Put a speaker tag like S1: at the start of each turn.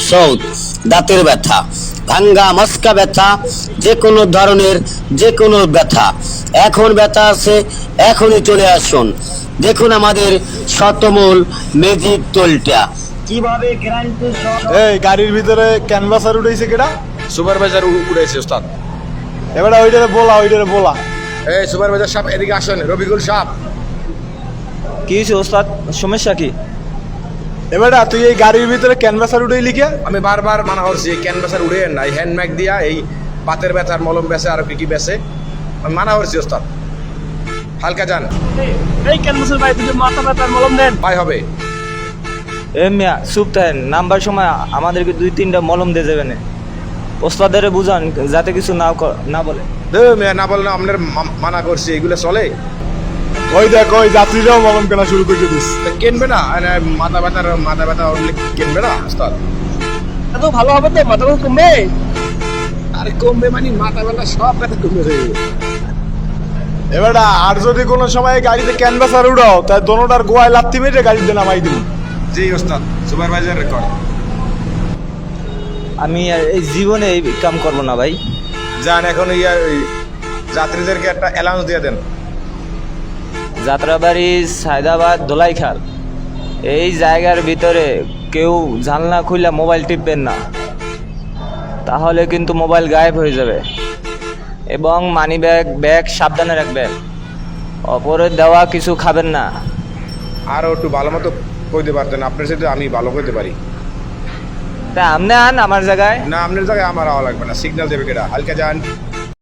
S1: সৌদ, দাঁতের ব্যথা, ভাঙ্গা মস্কা ব্যথা, যে কোনো ধরনের যে কোনো ব্যথা, এখন ব্যথা আছে এখনই চলে আসুন। দেখুন আমাদের শতমূল ম্যাজিক তোলটা কিভাবে গ্যারান্টি সহ।
S2: এই গাড়ির ভিতরে ক্যানভাসার উঠেছে কেডা?
S3: সুপারভাইজার উড়েছে ওস্তাদ।
S2: এবারে ওইটারে বলা।
S3: এই সুপারভাইজার সাহেব এদিকে আসেন, রবিকুল সাহেব।
S4: কি হয়েছে ওস্তাদ, সমস্যা কি?
S2: এবারে তুই এই গাড়ির ভিতরে ক্যানভাসার উঠেই লিখে।
S3: আমি বারবার মানা করছি ক্যানভাসার উড়েন না, এই হ্যান্ডম্যাগ দিয়া এই বাতের ব্যথার মলম বেছে আর কি কি বেছে, আমি মানা করছি ওস্তাদ। হালকা যান
S5: এই ক্যানভাসের ভাই দুটো মাথা ব্যথার মলম দেন।
S3: পাই হবে।
S4: এ মিয়া চুপ থাকেন, নাম্বার সময় আমাদেরকে 2-3টা মলম দিয়ে যাবেন। ওস্তাদের বুঝান যাতে কিছু না বলে।
S3: মেয়ে না বললে আপনার মানা করছি, এগুলো চলে?
S2: ওই দেখ ওই যাত্রীরাও মলম কেনা শুরু করে দিস।
S3: তা কিনবে না? মাথা ব্যথা উঠলে কিনবে না ওস্তাদ?
S5: এত ভালো হবে তো, মাথা ব্যথা কমবে।
S3: আরে কমবে মানে মাথা ব্যথা সব ব্যথা কমবে।
S2: এবারে আর যদি কোনো সময় গাড়িতে ক্যানভাসার উড়াও তাই দোনোটার গোয়ায় লাত্তি মেরে গাড়িতে নামাই দিবি।
S3: জি ওস্তাদ, সুপারভাইজার রেকর্ড।
S4: আমি আর এই জীবনে এই কাম করবো না ভাই।
S3: যান এখন ওই যাত্রীদেরকে একটা অ্যালাউন্স দিয়ে দেন।
S4: যাত্রাবাড়ি, সায়দাবাদ, দোলাইখাল এই জায়গার ভিতরে কেউ জানলা খুলে মোবাইল টিপবেন না, তাহলে কিন্তু মোবাইল গায়েব হয়ে যাবে। এবং মানি ব্যাগ সাবধানে রাখবেন। অপরের দেওয়া কিছু খাবেন না।
S3: আরও একটু ভালো মতো কইতে পারতেন, আপনার সাথে আমি ভালো কইতে পারি
S4: তা আপনি আন আমার জায়গায়।
S3: না। আপনার জায়গায় আমার আওয়া লাগবে না, সিগন্যাল দেবে কেটা। হালকা যান।